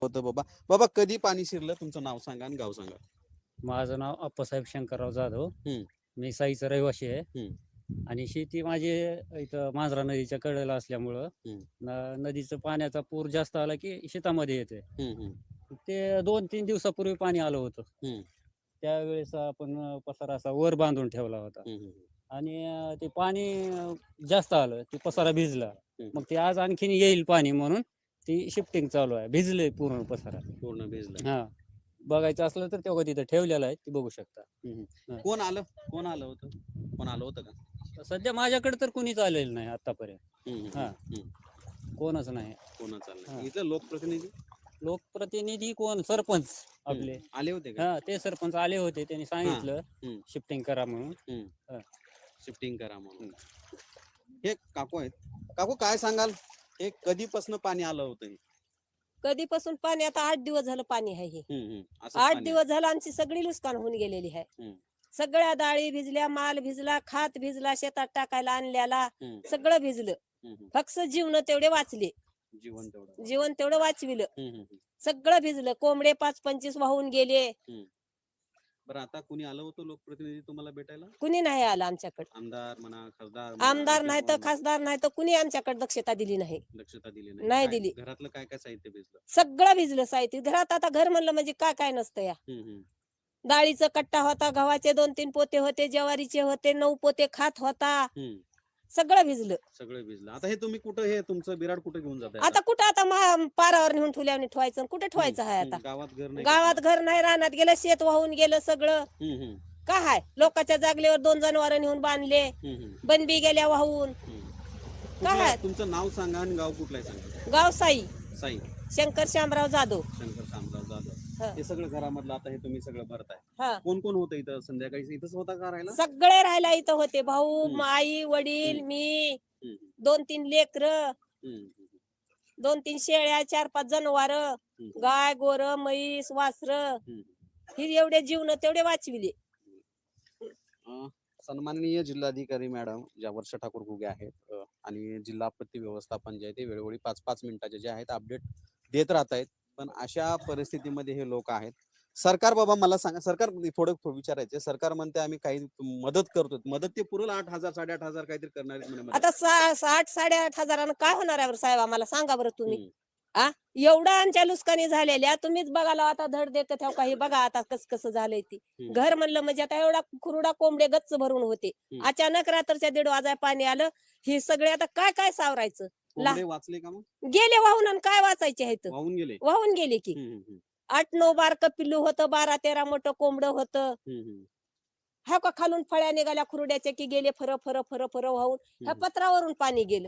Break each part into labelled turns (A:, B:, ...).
A: होतं बाबा. बाबा कधी पाणी शिरलं? तुमचं नाव सांगा आणि गाव सांगा.
B: माझं नाव अप्पासाहेब शंकरराव जाधव.
A: हम्म.
B: मी साईचा रहिवासी आहे.
A: हम्म.
B: आणि शेती माझी इथं मांजरा नदीच्या कडेला असल्यामुळं नदीचं पाण्याचा पूर जास्त आला की शेतामध्ये येते. ते 2-3 दिवसापूर्वी पाणी आलं होतं. त्यावेळेस आपण पसारा असा वर बांधून ठेवला होता. आणि ते पाणी जास्त आलं, ते पसारा भिजला. मग ते आज आणखीन येईल पाणी म्हणून ती शिफ्टिंग चालू आहे. भिजलंय पूर्ण पसारा.
A: पूर्ण भिजलं.
B: हा, बघायचं असलं तर तेव्हा तिथं ठेवलेलं आहे, ते बघू शकता.
A: कोण आलं होतं? कोण आलं होतं का?
B: सध्या माझ्याकडे तर कुणीच आलेलं नाही आतापर्यंत. हा, कोणच नाही.
A: कोणच आलं नाही. इथं
B: लोकप्रतिनिधी कोण? सरपंच आपले
A: आले होते का?
B: हा, ते सरपंच आले होते. त्यांनी सांगितलं शिफ्टिंग करा म्हणून.
A: शिफ्टिंग करा म्हणून. हे काकू आहेत. काकू काय सांगाल? हे कधीपासून पाणी आलं होतं?
C: कधीपासून पाणी? आता 8 दिवस झालं पाणी आहे. हे
A: असं
C: 8
A: पाणी
C: दिवस झालं आमची सगळी नुकसान होऊन गेलेली आहे. सगळ्या डाळी भिजल्या, माल भिजला, खात भिजला, शेतात टाकायला आणल्याला सगळं भिजलं. फक्त जीवन तेवढे वाचले. जीवन तेवढं वाचविलं. सगळं भिजलं. कोंबडे 5-25 वाहून गेले.
A: बरं, आता कुणी आलं होतं लोकप्रतिनिधी तुम्हाला भेटायला?
C: कुणी नाही आलं आमच्याकडे.
A: आमदार म्हणा, खासदार
C: आमदार नाही तर खासदार नाही तर कुणी आमच्याकडे दक्षता दिली नाही. नाही दिली.
A: घरातलं काय काय साहित्य भिजलं?
C: सगळं भिजलं साहित्य. घरात आता घर म्हणलं म्हणजे काय काय नसतं या. डाळीचा कट्टा होता, गव्हाचे 2-3 पोते होते, ज्वारीचे होते, 9 पोते खात होता. सगळं भिजलं.
A: आता हे तुम्ही कुठं, हे तुमचं बिराड कुठे घेऊन जाताय?
C: आता कुठं, आता पारावर नेऊन ठेवल्याने ठेवायचं. कुठे ठेवायचं आहे आता?
A: गावात
C: घर नाही, रानात गेलं, शेत वाहून गेलं सगळं. काय आहे? लोकांच्या जागलेवर 2 जनावर नेऊन बांधले, बनबी गेल्या वाहून. काय आहे?
A: तुमचं नाव सांगा आणि गाव कुठलं आहे सांगा.
C: गाव साई शंकर शामराव जाधव.
A: हे सगळं घरामधलं आता हे तुम्ही सगळं भरताय.
C: हा,
A: कोण कोण होतं इथं? संध्याकाळी इथंच होता का राहायला?
C: सगळे राहायला इथं होते. भाऊ, आई, वडील, मी, 2-3 लेकर, 2-3 शेळ्या, 4-5 जनावर, गाय, गोर, म्हैस, वासर, ही एवढे जीवन तेवढे वाचविले.
A: सन्माननीय जिल्हाधिकारी मॅडम ज्या वर्षा ठाकूर घुगे आहेत आणि जिल्हा आपत्ती व्यवस्थापन जे आहे ते वेळोवेळी 5-5 मिनिटाचे जे आहेत अपडेट देत राहत आहेत. पण अशा परिस्थितीमध्ये हे लोक आहेत. सरकार, बाबा मला सांगा, सरकार थोडं विचारायचं. सरकार म्हणते आम्ही काही मदत करतो. मदत ते पुरेल? 8,000 8,500 काहीतरी करणार आहेत म्हणे.
C: आता 8-8.5 हजारानं काय होणार आहे साहेब? आम्हाला सांगा बरं तुम्ही. एवढा आमच्या नुकसानी झालेल्या तुम्हीच बघायला आता धड देत ठेव काही. बघा आता कसं झालंय ती. घर म्हणलं म्हणजे आता एवढा खुरडा कोंबडे गच्च भरून होते. अचानक रात्रीच्या 1:30 वाजाय पाणी आलं. हे सगळे आता काय काय सावरायचं?
A: वाचले का मग?
C: गेले वाहून. आणि काय वाचायचे आहेत? वाहून गेले की. 8-9 बारक पिल्लू होतं, 12-13 मोठं कोंबड होतं. हा का खालून फळ्या निघाल्या खुरड्याच्या की गेले फर फर फर फर वाहून. ह्या पत्रावरून पाणी गेलं.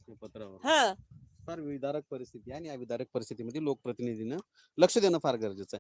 C: हा,
A: फार विदारक परिस्थिती आहे आणि या विदारक परिस्थितीमध्ये लोकप्रतिनिधीनं लक्ष देणं फार गरजेचं आहे.